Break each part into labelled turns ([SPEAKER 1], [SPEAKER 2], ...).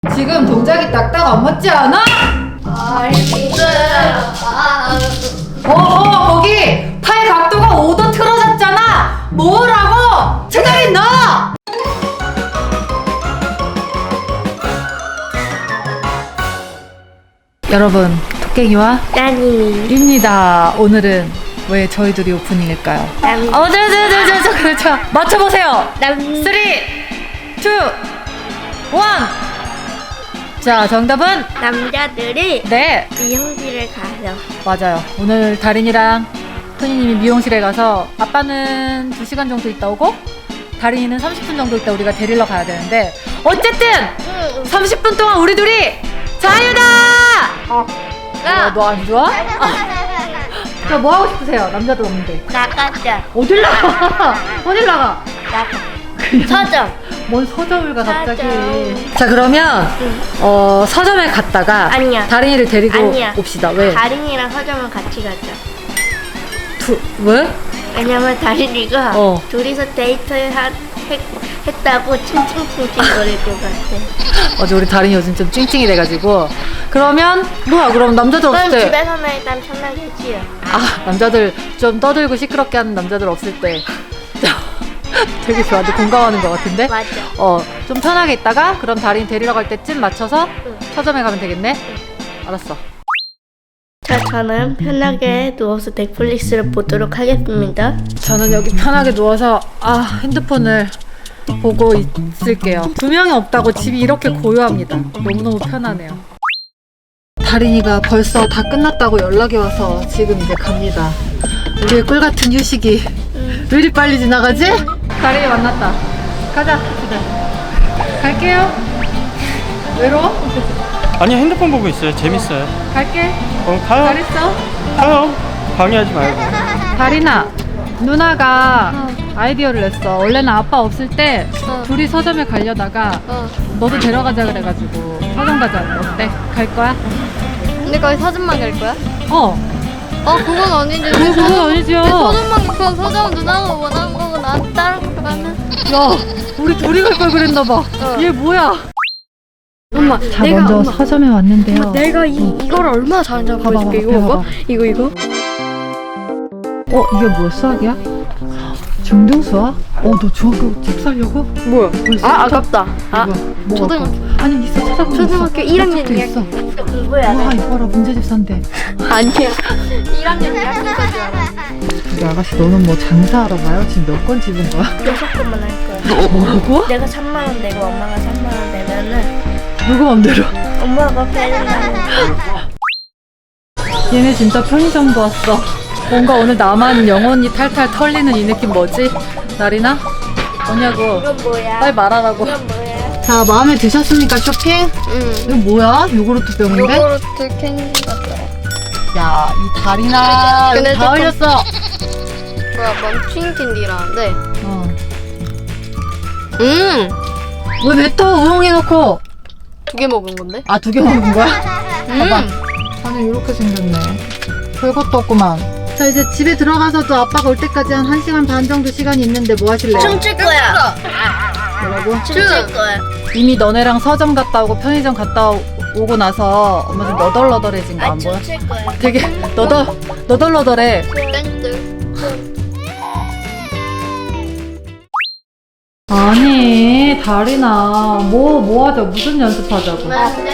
[SPEAKER 1] 지금 동작이 딱딱 안 맞지 않아?
[SPEAKER 2] 알겠어요.
[SPEAKER 1] 거기 팔 각도가 5도 틀어졌잖아. 뭐라고? 제자리 너! 여러분, 토깽이와
[SPEAKER 2] 따님입니다.
[SPEAKER 1] 오늘은 왜 저희 둘이 오프닝일까요? 그렇죠. 맞춰보세요. 3, 2, 1. 자, 정답은?
[SPEAKER 2] 남자들이
[SPEAKER 1] 네,
[SPEAKER 2] 미용실을 가요.
[SPEAKER 1] 맞아요. 오늘 다린이랑 토니님이 미용실에 가서 아빠는 2시간 정도 있다 오고 다린이는 30분 정도 있다 우리가 데리러 가야 되는데 어쨌든 30분 동안 우리 둘이 자유다! 너 안 좋아? 자, 뭐 하고 싶으세요? 남자도 없는데.
[SPEAKER 2] 나가자.
[SPEAKER 1] 어딜 나가? 어딜 나가?
[SPEAKER 2] 나가. 서점.
[SPEAKER 1] 뭔 서점을 가 갑자기.
[SPEAKER 2] 서점.
[SPEAKER 1] 자, 그러면 서점에 갔다가
[SPEAKER 2] 아니야.
[SPEAKER 1] 다린이를 데리고
[SPEAKER 2] 아니야.
[SPEAKER 1] 옵시다. 왜?
[SPEAKER 2] 다린이랑 서점을 같이 가자.
[SPEAKER 1] 왜?
[SPEAKER 2] 왜냐면 다린이가
[SPEAKER 1] 어.
[SPEAKER 2] 둘이서 데이트를 했다고 칭칭칭칭 거릴 것 같아.
[SPEAKER 1] 어제 우리 다린이 요즘 좀 찡찡이 돼가지고. 그러면 뭐야? 그럼 남자들
[SPEAKER 2] 그럼
[SPEAKER 1] 없을 때.
[SPEAKER 2] 집에서는 일단 편하게 지요.
[SPEAKER 1] 남자들 좀 떠들고 시끄럽게 하는 남자들 없을 때 되게 저한테 공감하는 것 같은데.
[SPEAKER 2] 맞아.
[SPEAKER 1] 좀 편하게 있다가 그럼 다린이 데리러 갈 때쯤 맞춰서
[SPEAKER 2] 응.
[SPEAKER 1] 서점에 가면 되겠네. 알았어.
[SPEAKER 2] 자, 저는 편하게 누워서 넷플릭스를 보도록 하겠습니다.
[SPEAKER 1] 저는 여기 편하게 누워서 핸드폰을 보고 있을게요. 2명이 없다고 집이 이렇게 고요합니다. 너무너무 편하네요. 다린이가 벌써 다 끝났다고 연락이 와서 지금 이제 갑니다. 우리의 꿀같은 휴식이 왜 이리 빨리 지나가지? 다린이 만났다. 가자. 집에. 갈게요. 외로워?
[SPEAKER 3] 아니 핸드폰 보고 있어요. 재밌어요.
[SPEAKER 1] 갈게.
[SPEAKER 3] 가요.
[SPEAKER 1] 잘했어?
[SPEAKER 3] 가요. 방해하지 말고.
[SPEAKER 1] 다린아, 누나가 아이디어를 냈어. 원래는 아빠 없을 때 둘이 서점에 가려다가 너도 데려가자 그래가지고 서점 가자. 어때? 갈 거야?
[SPEAKER 4] 근데 거기 서점만 갈 거야? 그건 아닌데.
[SPEAKER 1] 그건 아니지요.
[SPEAKER 4] 서점만 그 서점 누나가 원하는 거고 난 다른 거 가면.
[SPEAKER 1] 야, 우리 둘이 갈 걸 그랬나 봐. 얘 뭐야?
[SPEAKER 4] 엄마,
[SPEAKER 1] 자, 먼저 서점에 왔는데요.
[SPEAKER 4] 내가 이거를 얼마나 잘하는지
[SPEAKER 1] 봐봐,
[SPEAKER 4] 보여줄게.
[SPEAKER 1] 봐봐,
[SPEAKER 4] 이거
[SPEAKER 1] 봐봐.
[SPEAKER 4] 봐봐. 이거.
[SPEAKER 1] 이게 뭐야? 수학이야? 중등 수학? 너 중학교 책 살려고?
[SPEAKER 4] 뭐야?
[SPEAKER 1] 벌써
[SPEAKER 4] 아깝다.
[SPEAKER 1] 뭐가
[SPEAKER 4] 초등학교.
[SPEAKER 1] 아니, 있어. 찾아보면
[SPEAKER 4] 초등학교
[SPEAKER 1] 있어.
[SPEAKER 4] 1학년
[SPEAKER 1] 책도 있어.
[SPEAKER 2] 공부해야
[SPEAKER 1] 와,
[SPEAKER 2] 돼.
[SPEAKER 1] 이거라 문제집 산대.
[SPEAKER 4] 아니야. 1학년 2학년까지 알아.
[SPEAKER 1] 우리 아가씨, 너는 뭐 장사하러 가요? 지금 몇 건 집은 거야?
[SPEAKER 2] 6건만 할 거야.
[SPEAKER 1] 뭐라고?
[SPEAKER 2] 내가 3만 원 내고 엄마가 3만 원 내면은
[SPEAKER 1] 누구 맘대로?
[SPEAKER 2] 엄마가 편의점에
[SPEAKER 1] 얘네 진짜 편의점도 왔어. 뭔가 오늘 나만 영혼이 탈탈 털리는 이 느낌 뭐지? 나리나? 뭐냐고.
[SPEAKER 2] 이건 뭐야?
[SPEAKER 1] 빨리 말하라고.
[SPEAKER 2] 이건 뭐야?
[SPEAKER 1] 자, 마음에 드셨습니까, 쇼핑?
[SPEAKER 4] 응.
[SPEAKER 1] 이거 뭐야? 요구르트 병인데?
[SPEAKER 4] 요거르트 캔디 같아.
[SPEAKER 1] 야, 이 다리나.
[SPEAKER 4] 근데
[SPEAKER 1] 다
[SPEAKER 4] 조금-
[SPEAKER 1] 흘렸어.
[SPEAKER 4] 뭐야, 멈춘 캔디라는데.
[SPEAKER 1] 왜 뱉어? 우엉해놓고.
[SPEAKER 4] 2개 먹은 건데?
[SPEAKER 1] 2개 먹은 거야? 봐봐. 안에 이렇게 생겼네. 별것도 없구만. 자, 이제 집에 들어가서도 아빠가 올 때까지 한 1시간 반 정도 시간이 있는데 뭐 하실래요?
[SPEAKER 2] 춤출 거야.
[SPEAKER 1] 뭐라고?
[SPEAKER 2] 춤출 거야.
[SPEAKER 1] 이미 너네랑 서점 갔다 오고 편의점 갔다 오고 나서 엄마 좀 너덜너덜해진 거 안 보여?
[SPEAKER 2] 춤출 거야.
[SPEAKER 1] 되게 너덜너덜해.
[SPEAKER 4] 땡들.
[SPEAKER 1] 아니, 다리나 뭐 하자. 무슨 연습하자고.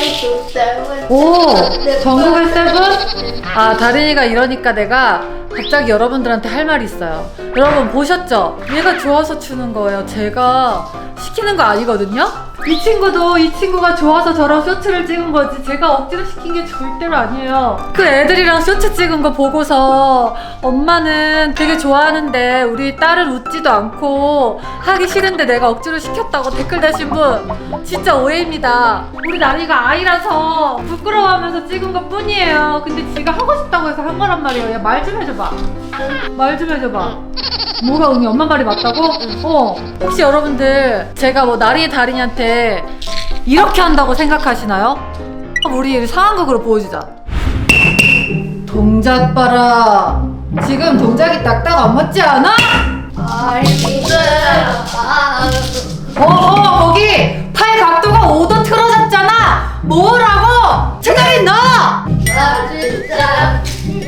[SPEAKER 1] 오, 전국의 세븐? 다린이가 이러니까 내가 갑자기 여러분들한테 할 말이 있어요. 여러분 보셨죠? 얘가 좋아서 추는 거예요. 제가 시키는 거 아니거든요? 이 친구가 좋아서 저랑 쇼츠를 찍은 거지 제가 억지로 시킨 게 절대로 아니에요. 그 애들이랑 쇼츠 찍은 거 보고서 엄마는 되게 좋아하는데 우리 딸은 웃지도 않고 하기 싫은데 내가 억지로 시켰다고 댓글 다신 분 진짜 오해입니다. 우리 나리가 아이라서 부끄러워하면서 찍은 것 뿐이에요. 근데 지가 하고 싶다고 해서 한 거란 말이에요. 야, 말 좀 해줘봐. 말 좀 해줘봐. 뭐가 응이 엄마 말이 맞다고? 혹시 여러분들 제가 뭐 나리의 다린이한테 이렇게 한다고 생각하시나요? 우리 상황극으로 보여주자. 동작 봐라. 지금 동작이 딱딱 안 맞지 않아?
[SPEAKER 2] 알겠어요.
[SPEAKER 1] 거기 팔 각도가 5도 틀어졌잖아. 뭐라고? 제자리 너!
[SPEAKER 2] 진짜.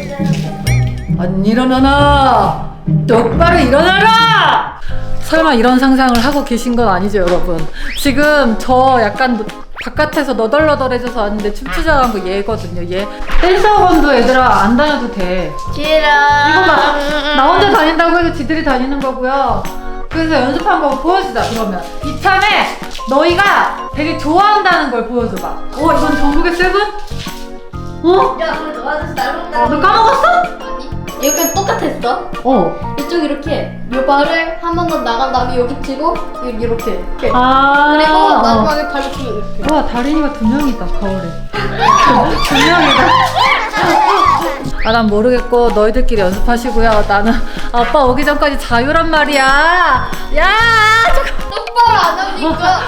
[SPEAKER 1] 안 일어나나? 똑바로 일어나라! 설마 이런 상상을 하고 계신 건 아니죠, 여러분? 지금 저 약간 바깥에서 너덜너덜해져서 왔는데 춤추자고 한 거 얘거든요, 얘. 댄서건도 얘들아 안 다녀도 돼.
[SPEAKER 2] 싫어.
[SPEAKER 1] 이거 봐. 나 혼자 다닌다고 해서 지들이 다니는 거고요. 그래서 연습한 거 보여주자, 그러면. 이참에 너희가 되게 좋아한다는 걸 보여줘봐. 이건 전국의 세븐?
[SPEAKER 2] 야, 우리 너한테 닮았다.
[SPEAKER 1] 너 까먹었어?
[SPEAKER 4] 아니 여기 똑같았어.
[SPEAKER 1] 어.
[SPEAKER 4] 이쪽 이렇게 요 발을 한 번 더 나간 다음에 여기 치고 이렇게
[SPEAKER 1] 그리고
[SPEAKER 4] 그리고 마지막에 발을 치고 이렇게.
[SPEAKER 1] 와, 다린이가 2명이다, 거울에. 2명이다. 난 모르겠고, 너희들끼리 연습하시고요. 나는 아빠 오기 전까지 자유란 말이야. 야!
[SPEAKER 4] 똑바로 안 하니까.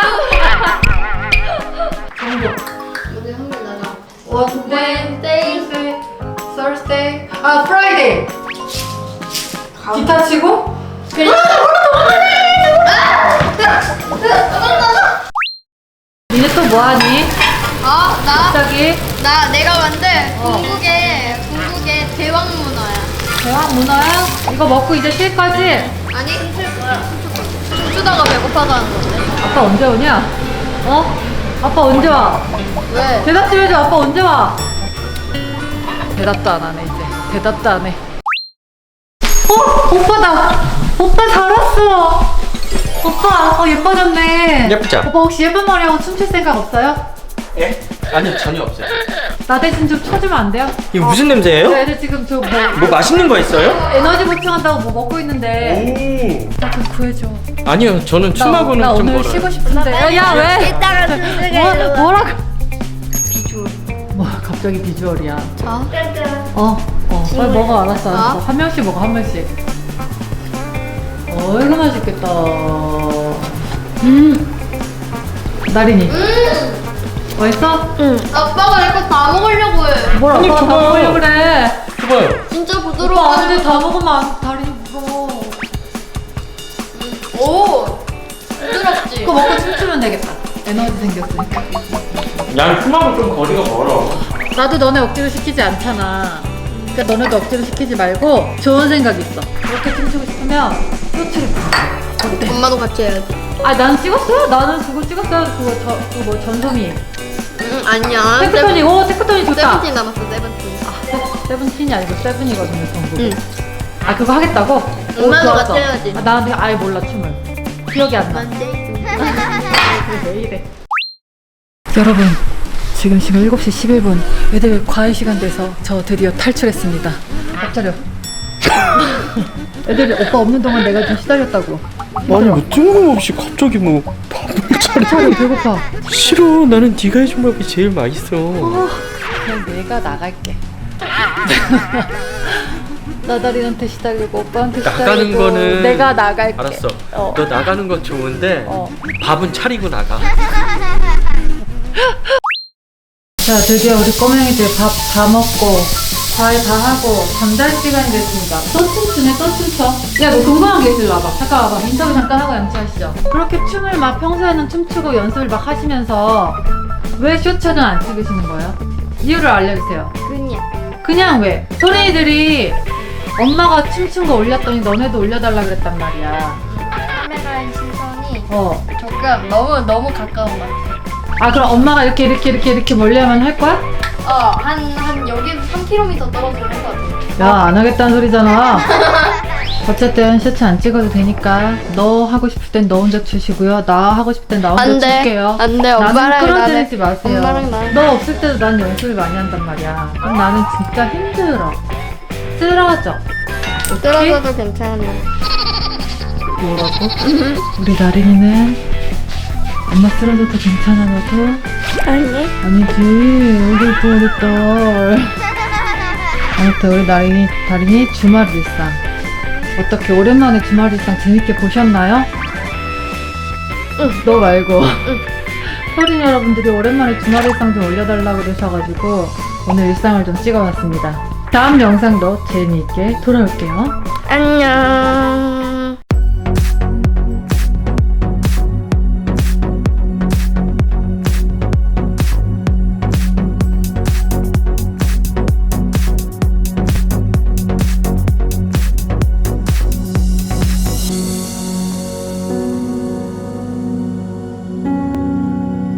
[SPEAKER 1] 정보.
[SPEAKER 4] 오늘 한번 나가.
[SPEAKER 1] Wednesday, Thursday, Friday. 기타 치고? 니네 또 뭐하니? 갑자기
[SPEAKER 4] 내가 만든
[SPEAKER 1] 어.
[SPEAKER 4] 궁극의 대왕 문어야.
[SPEAKER 1] 대왕 문어야? 이거 먹고 이제 쉴 거지?
[SPEAKER 4] 아니 춤출 거야. 춤추다가 배고파서 하는 건데.
[SPEAKER 1] 아빠 언제 오냐? 아빠 언제 와?
[SPEAKER 4] 왜?
[SPEAKER 1] 대답 좀 해줘. 아빠 언제 와? 대답도 안 하네 이제. 대답도 안 해. 오빠다. 오빠 잘 왔어. 오빠 예뻐졌네.
[SPEAKER 3] 예쁘죠?
[SPEAKER 1] 오빠 혹시 예쁜 머리하고 춤출 생각 없어요?
[SPEAKER 3] 예? 아니요, 전혀 없어요.
[SPEAKER 1] 나 대신 좀 쳐주면 안 돼요?
[SPEAKER 3] 이거 무슨 냄새예요?
[SPEAKER 1] 애들 지금
[SPEAKER 3] 뭐 맛있는 거 있어요?
[SPEAKER 1] 에너지 보충한다고 뭐 먹고 있는데
[SPEAKER 3] 오.
[SPEAKER 1] 나 좀 구해줘.
[SPEAKER 3] 아니요, 저는 춤하고는
[SPEAKER 1] 나
[SPEAKER 3] 좀
[SPEAKER 1] 오늘
[SPEAKER 3] 멀어요.
[SPEAKER 1] 쉬고 싶은데. 야 왜?
[SPEAKER 2] 이따가 준수가
[SPEAKER 1] 뭐라고? 비주얼. 뭐 갑자기 비주얼이야.
[SPEAKER 4] 자.
[SPEAKER 1] 빨리 먹어. 알았어.
[SPEAKER 4] 어?
[SPEAKER 1] 한 명씩 먹어, 한 명씩. 이거 맛있겠다. 나린이. 맛있어?
[SPEAKER 2] 응.
[SPEAKER 4] 아빠가 내 거 다 먹으려고 해.
[SPEAKER 1] 뭘
[SPEAKER 3] 아니,
[SPEAKER 1] 아빠가 다
[SPEAKER 3] 줘봐요.
[SPEAKER 1] 먹으려고 그래.
[SPEAKER 3] 줘봐요.
[SPEAKER 4] 진짜
[SPEAKER 1] 오빠
[SPEAKER 4] 부드러워.
[SPEAKER 1] 안 돼. 다 먹으면 다린이 무서워.
[SPEAKER 4] 오. 부드럽지.
[SPEAKER 1] 그거 먹고 춤추면 되겠다. 에너지 생겼으니까.
[SPEAKER 3] 난 춤하고 좀 거리가 멀어.
[SPEAKER 1] 나도 너네 억지로 시키지 않잖아. 그러니까 너네도 억지로 시키지 말고 좋은 생각 있어. 그렇게 춤추고 싶으면 쇼츠를 봐. 어때?
[SPEAKER 4] 엄마도 같이 해야지.
[SPEAKER 1] 난 찍었어요. 나는 그거 찍었어요. 그거 뭐 전소미.
[SPEAKER 4] 아니야.
[SPEAKER 1] 테크토니. 테크토니 좋다.
[SPEAKER 4] 세븐틴 남았어. 세븐틴.
[SPEAKER 1] 세븐틴이 아니고 세븐이거든요, 전부.
[SPEAKER 4] 응.
[SPEAKER 1] 그거 하겠다고?
[SPEAKER 4] 엄마도
[SPEAKER 1] 좋았어.
[SPEAKER 4] 같이 해야지.
[SPEAKER 1] 나 근데 아예 몰라, 춤을. 기억이 안 나. 왜 이래? 여러분, 지금 시간 7시 11분. 애들 과외 시간 돼서 저 드디어 탈출했습니다. 앞자려. 애들이 오빠 없는 동안 내가 좀 시달렸다고.
[SPEAKER 3] 아니 뭐 뜬금없이 갑자기 뭐 밥을
[SPEAKER 1] 차려, 배고파.
[SPEAKER 3] 싫어. 나는 네가 해준 밥이 제일 맛있어.
[SPEAKER 1] 그냥 내가 나갈게. 나다린한테 시달리고 오빠한테 시달리고
[SPEAKER 3] 나가는 거는
[SPEAKER 1] 내가 나갈게.
[SPEAKER 3] 알았어.
[SPEAKER 1] 어.
[SPEAKER 3] 너 나가는 건 좋은데 밥은 차리고 나가.
[SPEAKER 1] 자, 드디어 우리 꼬맹이들 밥 다 먹고 과외 다 하고 잠잘 시간이 됐습니다. 또 춤추네, 또 춤춰. 야, 너 궁금한 게 있을라 와봐. 잠깐 와봐. 인터뷰 잠깐 하고 양치하시죠. 그렇게 춤을 막 평소에는 춤추고 연습을 막 하시면서 왜 쇼츠는 안 찍으시는 거예요? 이유를 알려주세요. 그냥 왜? 소린이들이 엄마가 춤춘 거 올렸더니 너네도 올려달라 그랬단 말이야.
[SPEAKER 4] 카메라의 시선이
[SPEAKER 1] 어.
[SPEAKER 4] 조금 너무 가까운 것 같아.
[SPEAKER 1] 그럼 엄마가 이렇게 멀리하면 할 거야?
[SPEAKER 4] 한 여기 3km 떨어지면 할 것 같아.
[SPEAKER 1] 야, 안 하겠다는 소리잖아. 어쨌든 셔츠 안 찍어도 되니까 너 하고 싶을 땐 너 혼자 추시고요. 나 하고 싶을 땐 나 혼자
[SPEAKER 4] 안 돼.
[SPEAKER 1] 출게요.
[SPEAKER 4] 안 돼.
[SPEAKER 1] 나는
[SPEAKER 4] 엄마랑
[SPEAKER 1] 끌어들이지 마세요.
[SPEAKER 4] 엄마랑 나는.
[SPEAKER 1] 너 없을 때도 난 연습을 많이 한단 말이야. 그럼 나는 진짜 힘들어. 쓰러져. 오케이?
[SPEAKER 4] 떨어져도 괜찮아.
[SPEAKER 1] 뭐라고? 우리 나린이는 엄마 쓰러져도 괜찮아 너도?
[SPEAKER 2] 아니.
[SPEAKER 1] 아니지. 우리 딸. 아무튼 우리 다린이 주말 일상 어떻게 오랜만에 주말 일상 재밌게 보셨나요? 응. 너 말고. 서린 여러분들이 오랜만에 주말 일상 좀 올려달라고 그러셔가지고 오늘 일상을 좀 찍어봤습니다. 다음 영상도 재미있게 돌아올게요.
[SPEAKER 2] 안녕.